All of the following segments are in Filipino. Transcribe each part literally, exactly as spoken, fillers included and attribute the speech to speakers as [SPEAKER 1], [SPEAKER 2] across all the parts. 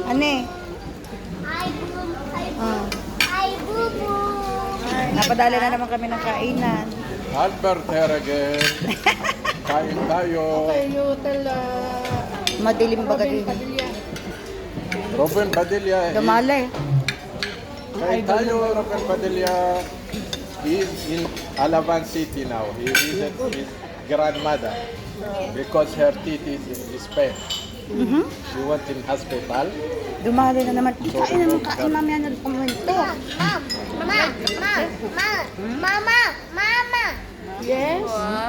[SPEAKER 1] Ane?
[SPEAKER 2] Ay, boom, ay,
[SPEAKER 1] Ah.
[SPEAKER 2] ay, bubu.
[SPEAKER 1] Napadala na naman kami ng kainan.
[SPEAKER 3] Albert here again. Kain tayo.
[SPEAKER 4] Kayo tala.
[SPEAKER 1] Madilim baga din.
[SPEAKER 4] Padilla.
[SPEAKER 3] Robin Padilla.
[SPEAKER 1] Dumali.
[SPEAKER 3] Kain tayo, Robin Padilla. He is in Alaban City now. He visits his grandmother because her teeth is in Spain.
[SPEAKER 1] Mhm.
[SPEAKER 3] She went in hospital.
[SPEAKER 1] Dumali na naman. Kain naman, kain mamaya na kumento.
[SPEAKER 2] Mom, mama, mama, mama, mama, mama.
[SPEAKER 4] Yes.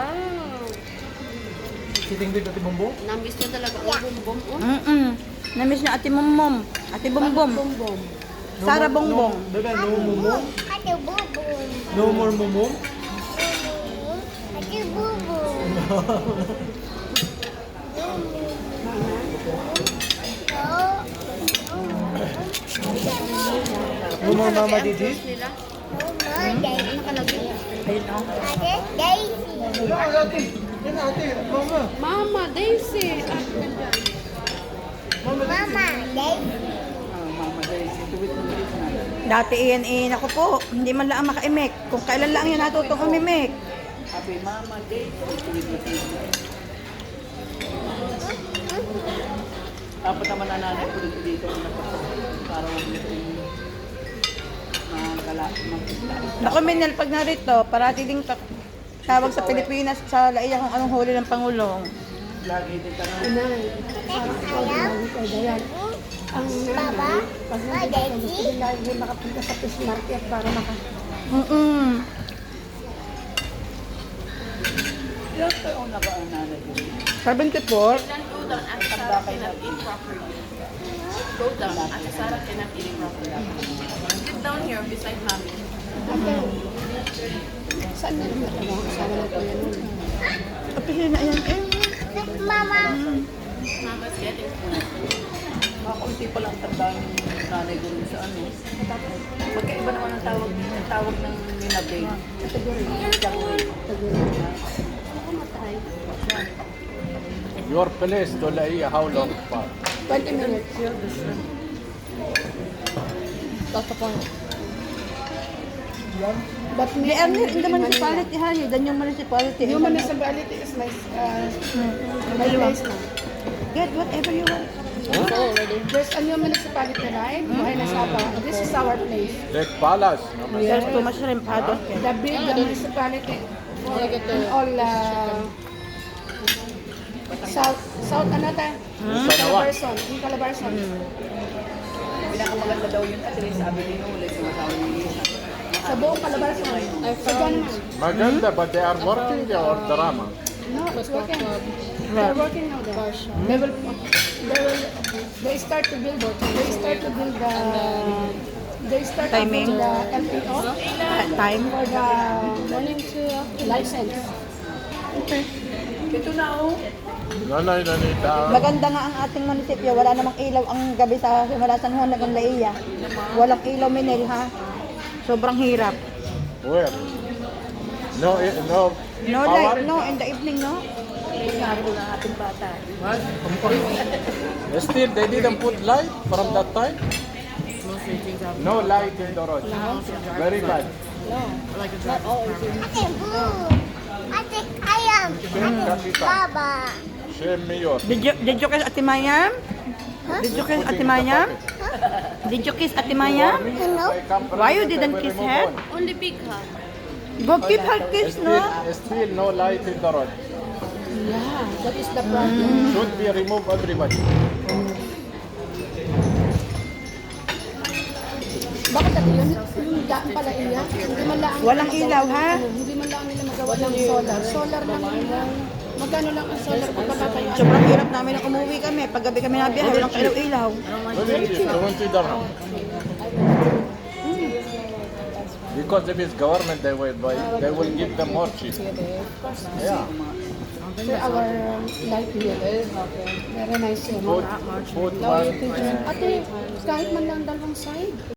[SPEAKER 5] Namiss niya talaga ang bumbong. Oh.
[SPEAKER 1] Mm-mm. Namiss niya ate Momom. Ate Bombom.
[SPEAKER 4] Bombom.
[SPEAKER 1] Sara Bongbong.
[SPEAKER 6] Bebe, no mumu?
[SPEAKER 2] Ate bubu.
[SPEAKER 6] No more mumu?
[SPEAKER 2] Ate bubu.
[SPEAKER 6] No more mama didi?
[SPEAKER 5] Nila.
[SPEAKER 2] Mama, Daisy.
[SPEAKER 5] Nakalagay.
[SPEAKER 1] Ayun o.
[SPEAKER 2] Ate Daisy.
[SPEAKER 6] Wala, ate. Yan ate, mama.
[SPEAKER 5] Mama, Daisy. Ah,
[SPEAKER 2] Mama, Daisy.
[SPEAKER 1] Dati iyan iyan ako po. Hindi man lang makaimek. Kung kailan lang yan natutong umimek.
[SPEAKER 7] Dapat naman nanay ko dito dito para huwag nito magkala magkala.
[SPEAKER 1] Naku, Minel, pag narito, parati ding ta- tawag sa Pilipinas sa laiya kung anong huli ng Pangulong.
[SPEAKER 7] Lagi din tanong.
[SPEAKER 4] Inay.
[SPEAKER 2] Ayaw.
[SPEAKER 4] Dayan. Ang
[SPEAKER 2] Baba.
[SPEAKER 4] pag
[SPEAKER 2] Ah, Daisy.
[SPEAKER 4] hindi lagi makapunta sa fish market para maka...
[SPEAKER 1] Mm-mm.
[SPEAKER 7] Ilang taon na ba ang nanay ko?
[SPEAKER 1] seventy-four.
[SPEAKER 5] Go down. Ate Sarah cannot eat properly. Go down. Ate Sarah cannot eat properly. Sit down here beside mommy.
[SPEAKER 4] Ate, saan na naman ako? Kasama na ko yan.
[SPEAKER 1] Kapili na yan eh.
[SPEAKER 2] Mama.
[SPEAKER 5] Mama's getting food.
[SPEAKER 7] Makakunti pa lang tanda ng nanay ko rin sa ano. Magkaiba naman ang tawag, ang tawag ng ninabay.
[SPEAKER 4] Kategory.
[SPEAKER 7] Kategory.
[SPEAKER 4] Ako matay.
[SPEAKER 3] Your place to Laia, how long far?
[SPEAKER 4] twenty minutes. That's the point. But
[SPEAKER 1] They are near in the municipality, ha? Yun, dan yung municipality.
[SPEAKER 4] Yung municipality is my, uh, my place now.
[SPEAKER 1] Get whatever you want.
[SPEAKER 4] There's a new municipality, right? Buhay na Saba. This is our place.
[SPEAKER 3] Lake Palace. No?
[SPEAKER 1] There's too much rempado.
[SPEAKER 4] The big uh, municipality. In all, uh, South, South, ano tayo?
[SPEAKER 3] Sanawan.
[SPEAKER 4] Calabarzon. In Calabarzon.
[SPEAKER 7] Pinakamaganda daw yun at least sabi ni Nulit yung asawa ni Lisa.
[SPEAKER 4] Sa buong Calabarzon. Sa Ganman.
[SPEAKER 3] Maganda, but they are working or drama?
[SPEAKER 4] No, it's working. They're working now there. They will, they will, they start to build, they start to build the, they start to
[SPEAKER 1] Timing.
[SPEAKER 4] build the L P O
[SPEAKER 1] Time.
[SPEAKER 4] for the morning to license.
[SPEAKER 7] Ito na oh.
[SPEAKER 3] Nanay, nanita.
[SPEAKER 1] Maganda nga ang ating munisipyo. Wala namang ilaw ang gabi sa simula San Juan hanggang Laia. Walang ilaw, Minel, ha? Sobrang hirap.
[SPEAKER 3] Where? No, eh, no.
[SPEAKER 1] No
[SPEAKER 3] power?
[SPEAKER 1] light, no, in the evening, no?
[SPEAKER 7] Sabi ng ating bata.
[SPEAKER 3] Still, they didn't put light from that time? No light in the road. Very bad.
[SPEAKER 2] Ate boo. Ate ayam.
[SPEAKER 3] Shame, Kapita.
[SPEAKER 2] Baba.
[SPEAKER 3] Shame, Mayor.
[SPEAKER 1] Did you, did you kiss Ate Mayam? Did you kiss Ate Mayam? Did you kiss Ate Mayam?
[SPEAKER 2] Hello?
[SPEAKER 1] Why you didn't kiss her?
[SPEAKER 5] Only big ha.
[SPEAKER 1] Go give her kiss,
[SPEAKER 3] Still,
[SPEAKER 1] no?
[SPEAKER 3] still no light in the road.
[SPEAKER 4] Yeah, that is the problem.
[SPEAKER 3] Should be removed everybody.
[SPEAKER 4] Bakit ate yun? Yung daan pala iya, hindi man lang
[SPEAKER 1] Walang ilaw, ha?
[SPEAKER 4] ano, hindi man lang nila magawa ng solar. Solar lang nila. Magkano lang ang solar kung papatayo?
[SPEAKER 1] Sobrang hirap namin nang umuwi kami. Paggabi kami nabiyahe, walang ilaw-ilaw.
[SPEAKER 3] twenty dirham. Because if it's government, they will buy, they will give them more cheap. Yeah.
[SPEAKER 4] For our um, life here. Very nice.
[SPEAKER 3] Food, food one.
[SPEAKER 4] Ate, kahit man lang dalawang side.